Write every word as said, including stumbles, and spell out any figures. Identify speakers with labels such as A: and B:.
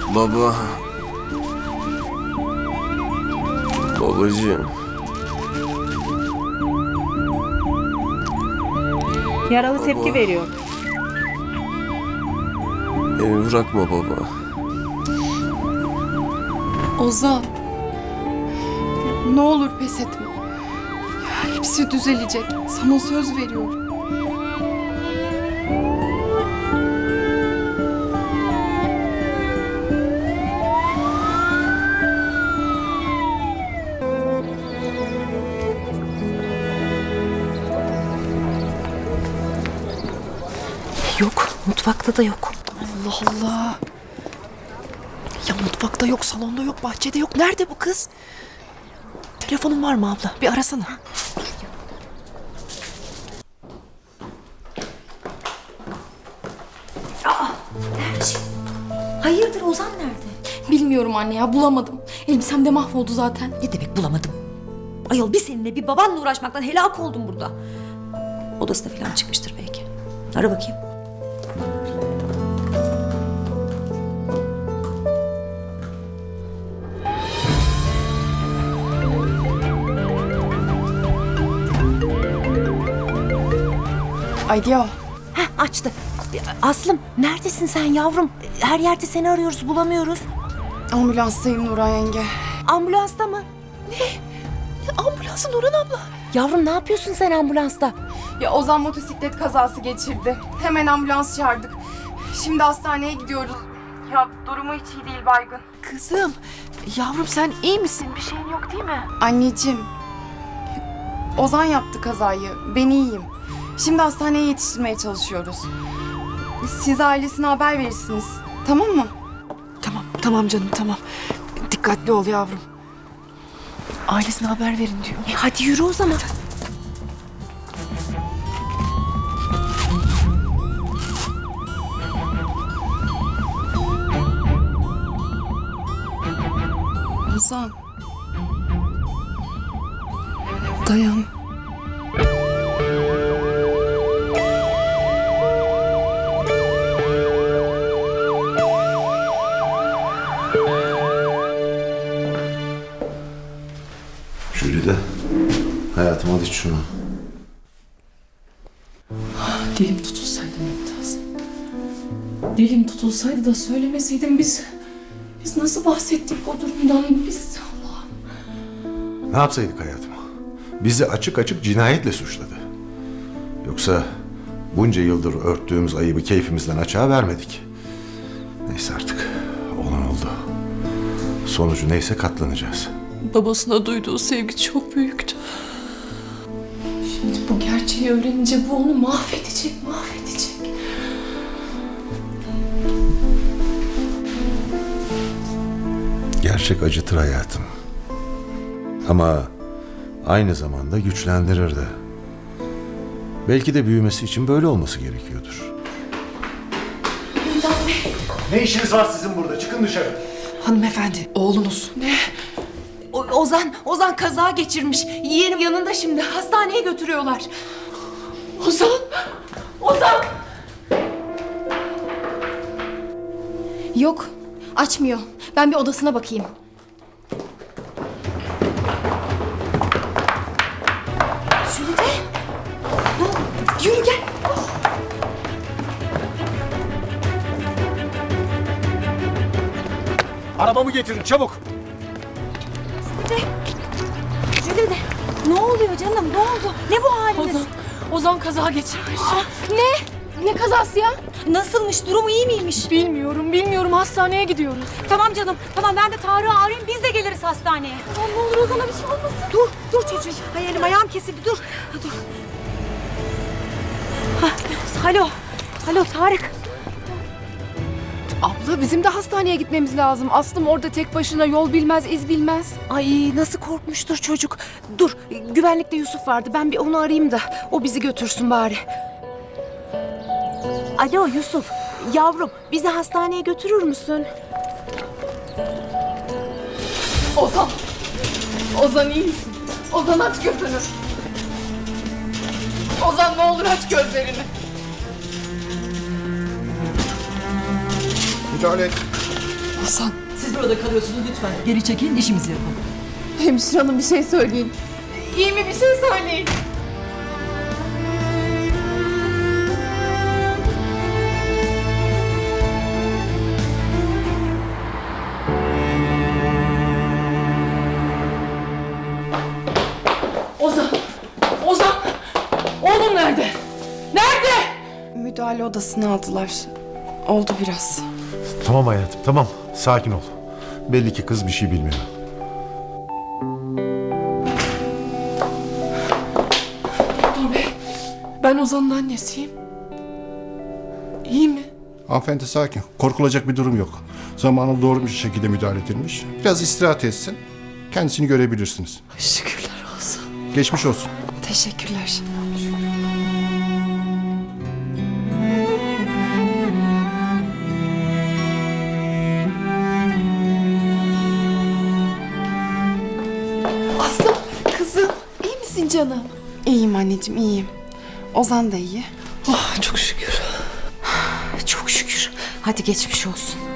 A: Baba. Babacığım.
B: Yaralı tepki veriyor.
A: Beni bırakma baba.
C: Ozan. Ne olur pes etme. Hepsi düzelecek. Sana söz veriyorum.
D: Yok, mutfakta da yok.
E: Allah Allah. Ya mutfakta yok, salonda yok, bahçede yok. Nerede bu kız? Telefonun var mı abla? Bir arasana.
D: Hayırdır, Ozan nerede?
F: Bilmiyorum anne ya, bulamadım. Elbisem de mahvoldu zaten.
D: Ne demek bulamadım? Ayol, bir seninle bir babanla uğraşmaktan helak oldum burada. Odasına falan çıkmıştır belki. Ara bakayım.
C: Alo.
D: Heh, açtı. Aslım, neredesin sen yavrum? Her yerde seni arıyoruz, bulamıyoruz.
C: Ambulanstayım Nuray yenge.
D: Ambulansta mı?
E: Ambulansı Nurhan abla.
D: Yavrum, ne yapıyorsun sen ambulansta?
C: Ya Ozan motosiklet kazası geçirdi. Hemen ambulans çağırdık. Şimdi hastaneye gidiyoruz. Ya durumu hiç iyi değil, baygın.
E: Kızım, yavrum sen iyi misin? Bir şeyin yok değil mi?
C: Anneciğim. Ozan yaptı kazayı. Ben iyiyim. Şimdi hastaneye yetiştirmeye çalışıyoruz. Siz ailesine haber verirsiniz. Tamam mı?
E: Tamam, tamam canım, tamam. Dikkatli ol yavrum. Ailesine haber verin diyor.
D: E, hadi yürü o zaman.
C: Ozan. Dayan.
G: Jülide, hayatım al iç şunu.
H: Dilim tutulsaydı Mümtaz. Dilim tutulsaydı da söylemeseydim biz... Biz nasıl bahsettik o durumdan biz... Allah'ım.
G: Ne yapsaydık hayatım? Bizi açık açık cinayetle suçladı. Yoksa bunca yıldır örttüğümüz ayıbı keyfimizden açığa vermedik. Neyse artık, olan oldu. Sonucu neyse katlanacağız.
H: Babasına duyduğu sevgi çok büyüktü. Şimdi bu gerçeği öğrenince bu onu mahvedecek, mahvedecek.
G: Gerçek acıtır hayatım. Ama aynı zamanda güçlendirir de. Belki de büyümesi için böyle olması gerekiyordur. Ne işiniz var sizin burada? Çıkın dışarı.
E: Hanımefendi, oğlunuz. Ne?
D: O- Ozan, Ozan kaza geçirmiş. Yeğenim yanında şimdi. Hastaneye götürüyorlar.
H: Ozan! Ozan!
F: Yok, açmıyor. Ben bir odasına bakayım.
D: Jülide. Ne oldu? Yürü gel.
I: Arabamı getirin çabuk.
D: Jülide. Ne oluyor canım? Ne oldu? Ne bu haliniz?
H: Ozan, Ozan kaza geçirmiş.
F: Ne? Ne kazası ya?
D: Nasılmış? Durumu iyi miymiş?
H: Bilmiyorum, bilmiyorum. Hastaneye gidiyoruz.
D: Tamam canım. Tamam, ben de Tarık'ı arayayım. Biz de geliriz hastaneye.
H: Aman ne olur Ozan'a bir şey olmasın.
D: Dur, dur çocuğum. Hay elim ayağım kesildi. Dur. Ha, dur. Ha, alo. Alo Tarık.
C: Abla bizim de hastaneye gitmemiz lazım. Aslım orada tek başına yol bilmez, iz bilmez.
D: Ay nasıl korkmuştur çocuk. Dur, güvenlikte Yusuf vardı. Ben bir onu arayayım da o bizi götürsün bari. Alo Yusuf. Yavrum, bizi hastaneye götürür müsün?
C: Ozan. Ozan iyi misin? Ozan aç gözünü. Ozan ne olur aç gözlerini.
G: Müdahale et.
E: Hasan.
I: Siz burada kalıyorsunuz lütfen. Geri çekilin, işimizi yapalım.
E: Hemşire hanım bir şey söyleyin. İyi mi bir şey söyleyin.
H: Ozan! Ozan! Oğlum nerede? Nerede?
C: Müdahale odasına aldılar. Oldu biraz.
G: Tamam hayatım tamam. Sakin ol. Belli ki kız bir şey bilmiyor.
H: Doktor bey, ben Ozan'ın annesiyim. İyi mi?
J: Hanımefendi sakin. Korkulacak bir durum yok. Zamanında doğru bir şekilde müdahale edilmiş. Biraz istirahat etsin. Kendisini görebilirsiniz.
H: Şükürler olsun.
J: Geçmiş olsun.
C: Teşekkürler.
E: Aslım kızım iyi misin canım?
C: İyiyim anneciğim, iyiyim. Ozan da iyi.
H: Oh çok şükür.
D: Çok şükür. Hadi geçmiş olsun.